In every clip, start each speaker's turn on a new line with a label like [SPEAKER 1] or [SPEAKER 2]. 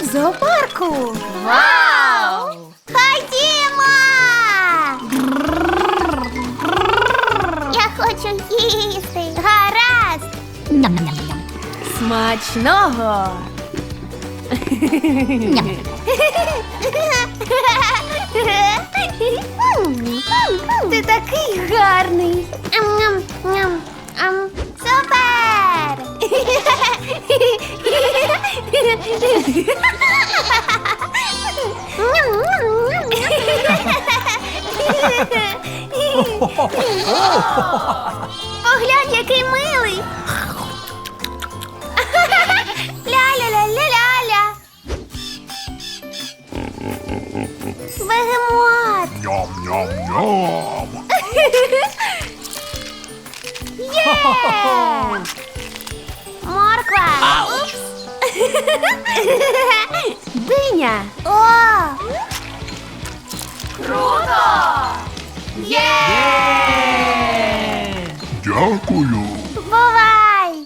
[SPEAKER 1] зоопарку.
[SPEAKER 2] Вау!
[SPEAKER 1] Ходімо! Я хочу їсти. Гаразд.
[SPEAKER 2] Смачного!
[SPEAKER 1] Ти такий гарний. Супер! Поглянь, який милий. Ля-ля-ля-ля-ля-ля. Бегемот.
[SPEAKER 3] Ням-ням-ням.
[SPEAKER 1] Є! Морква.
[SPEAKER 3] Ауч.
[SPEAKER 2] Диня!
[SPEAKER 1] О!
[SPEAKER 2] Круто! Є!
[SPEAKER 3] Дякую.
[SPEAKER 1] Бувай!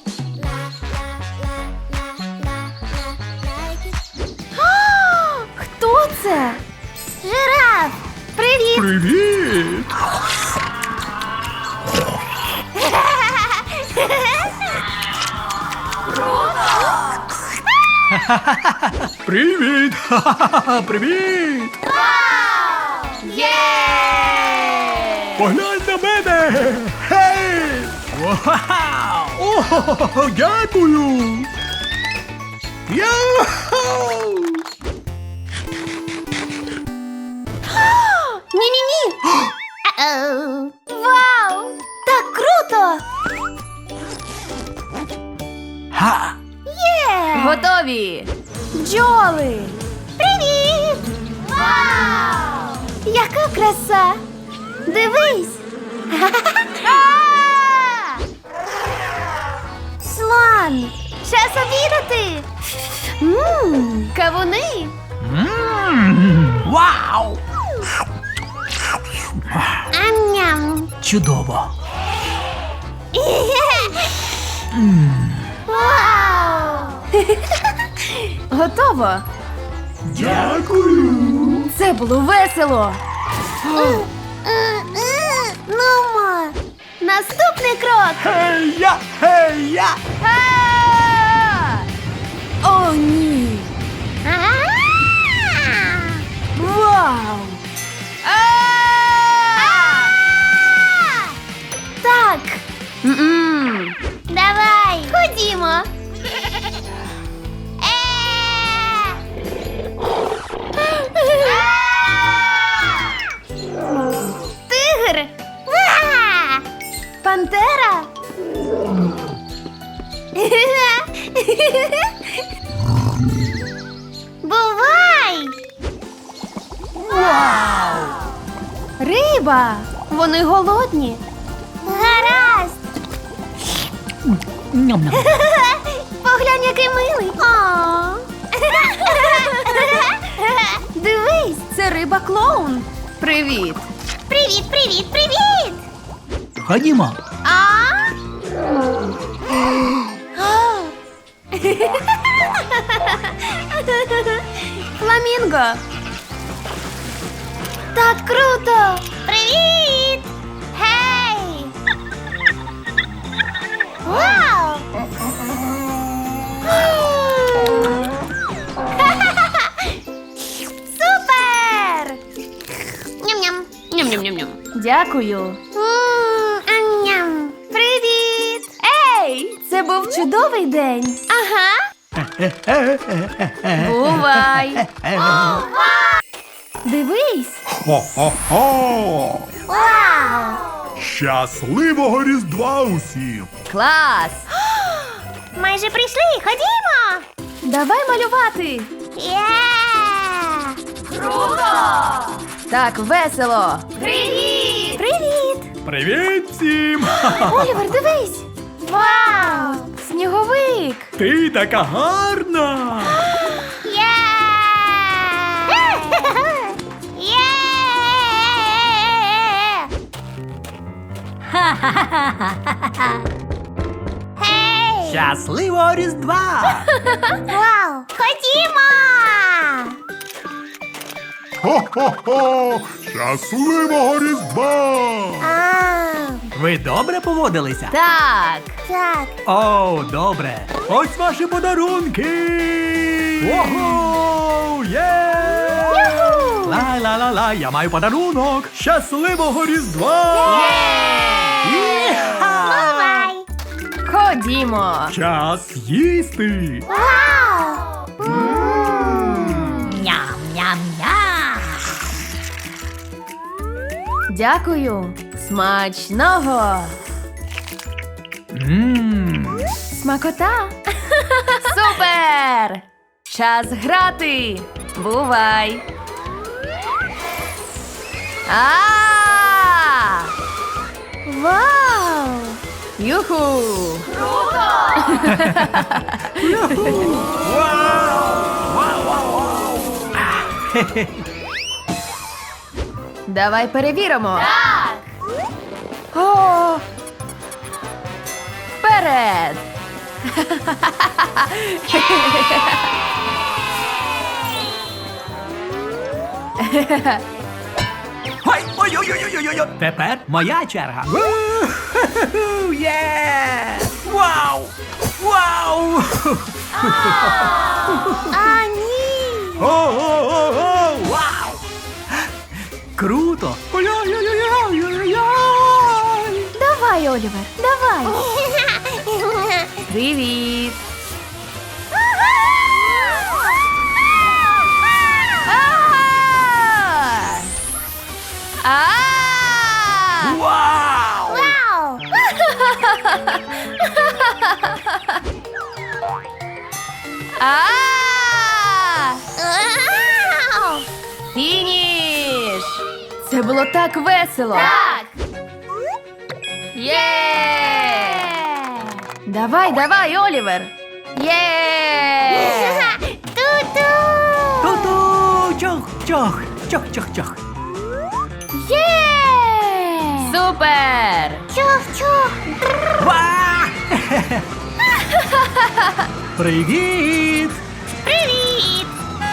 [SPEAKER 2] Хто це?
[SPEAKER 1] Жираф! Привіт!
[SPEAKER 3] Привіт. Привіт. Ха-ха-ха. Привіт.
[SPEAKER 2] Є!
[SPEAKER 3] Поглянь на мене. Гей. Вау. О, дякую. Яху.
[SPEAKER 1] Ні-ні-ні! Вау! Так круто!
[SPEAKER 3] Ха.
[SPEAKER 1] Є!
[SPEAKER 2] Готові!
[SPEAKER 1] Бджоли! Привіт! Вау! Яка краса! Дивись! Слон! Час обідати! Кавуни!
[SPEAKER 3] Вау.
[SPEAKER 1] Ам-ням!
[SPEAKER 3] Чудово.
[SPEAKER 1] Вау!
[SPEAKER 2] Готово!
[SPEAKER 3] Дякую.
[SPEAKER 2] Це було весело!
[SPEAKER 1] Нумо! Наступний крок!
[SPEAKER 3] Хей-я, хей-я.
[SPEAKER 2] О, ні! Вау!
[SPEAKER 1] Так,
[SPEAKER 2] М-м.
[SPEAKER 1] давай, ходімо. Тигр. Пантера. Бувай!
[SPEAKER 2] Риба! Вони голодні!
[SPEAKER 1] Гаразд! Поглянь, який милий! О!
[SPEAKER 2] Дивись, це риба-клоун! Привіт!
[SPEAKER 1] Привіт, привіт, привіт!
[SPEAKER 3] Ходімо.
[SPEAKER 1] А?
[SPEAKER 2] Фламінго!
[SPEAKER 1] Так круто! Привіт! Гей! Вау! Супер! Ням-ням!
[SPEAKER 2] Ням-ням-ням-ням! Дякую!
[SPEAKER 1] Ам-ням! Привіт!
[SPEAKER 2] Ей! Це був чудовий день!
[SPEAKER 1] Ага!
[SPEAKER 2] Бувай! Дивись!
[SPEAKER 3] Хо-хо-хо.
[SPEAKER 1] Вау!
[SPEAKER 3] Щасливого Різдва усім.
[SPEAKER 2] Клас!
[SPEAKER 1] Майже прийшли! Ходімо!
[SPEAKER 2] Давай малювати!
[SPEAKER 1] Є!
[SPEAKER 2] Так весело!
[SPEAKER 1] Привіт! Привіт!
[SPEAKER 3] Привіт всім.
[SPEAKER 2] Олівер, дивись!
[SPEAKER 1] Вау!
[SPEAKER 2] Сніговик!
[SPEAKER 3] Ти така гарна.
[SPEAKER 1] Є! Є! Гей!
[SPEAKER 4] Щасливого Різдва!
[SPEAKER 1] Вау! Ходімо!
[SPEAKER 3] Хо-хо-хо! Щасливого Різдва!
[SPEAKER 1] А,
[SPEAKER 4] Ви добре поводилися?
[SPEAKER 2] Так.
[SPEAKER 1] так.
[SPEAKER 4] О, добре.
[SPEAKER 3] Ось ваші подарунки!
[SPEAKER 4] Ого! Є!
[SPEAKER 1] Юху!
[SPEAKER 4] Ла-ла-ла-ла, я маю подарунок!
[SPEAKER 3] Щасливого Різдва!
[SPEAKER 4] Іха!
[SPEAKER 1] Бувай!
[SPEAKER 2] Ходімо.
[SPEAKER 3] Час їсти!
[SPEAKER 1] Вау!
[SPEAKER 2] Дякую. Смачного.
[SPEAKER 4] Ммм.
[SPEAKER 2] Смакота. Супер! Час грати. Бувай. А!
[SPEAKER 1] Вау!
[SPEAKER 2] Юху! Давай перевіримо. Так. О! Вперед!
[SPEAKER 4] Ой-ой-ой-ой-ой-ой! Тепер моя черга. У-ху-ху-ху, Є! Вау! Вау!
[SPEAKER 1] А, ні!
[SPEAKER 3] О-о-о-о!
[SPEAKER 4] Вау! Круто! Ой-ой-ой-ой-ой-ой!
[SPEAKER 2] Давай, Олівер, давай. Привіт. А!
[SPEAKER 4] Вау!
[SPEAKER 1] Вау!
[SPEAKER 2] А!
[SPEAKER 1] Вау!
[SPEAKER 2] Фініш! Це було так весело. Так. Є! Давай, Олівер. Є!
[SPEAKER 1] Ту-ту!
[SPEAKER 4] Ту-ту! Чох-чох! Чох-чох-чох!
[SPEAKER 2] Є! Супер!
[SPEAKER 1] Чух-чух!
[SPEAKER 4] Ва! Привіт!
[SPEAKER 1] Привіт!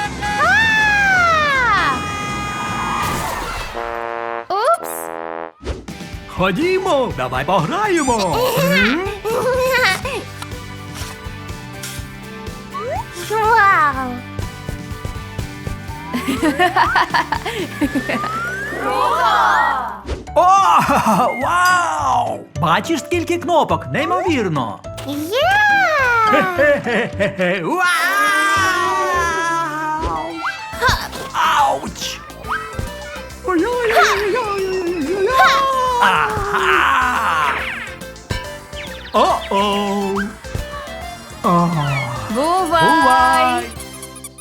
[SPEAKER 2] Упс!
[SPEAKER 3] Ходімо, давай пограємо!
[SPEAKER 1] Вау!
[SPEAKER 4] О! Вау! Бачиш, скільки кнопок? Неймовірно!
[SPEAKER 1] Є!
[SPEAKER 4] Хе-хе-хе-хе! Вау! Ауч! Ага!
[SPEAKER 3] О-о!
[SPEAKER 2] Бувай!
[SPEAKER 4] Бувай!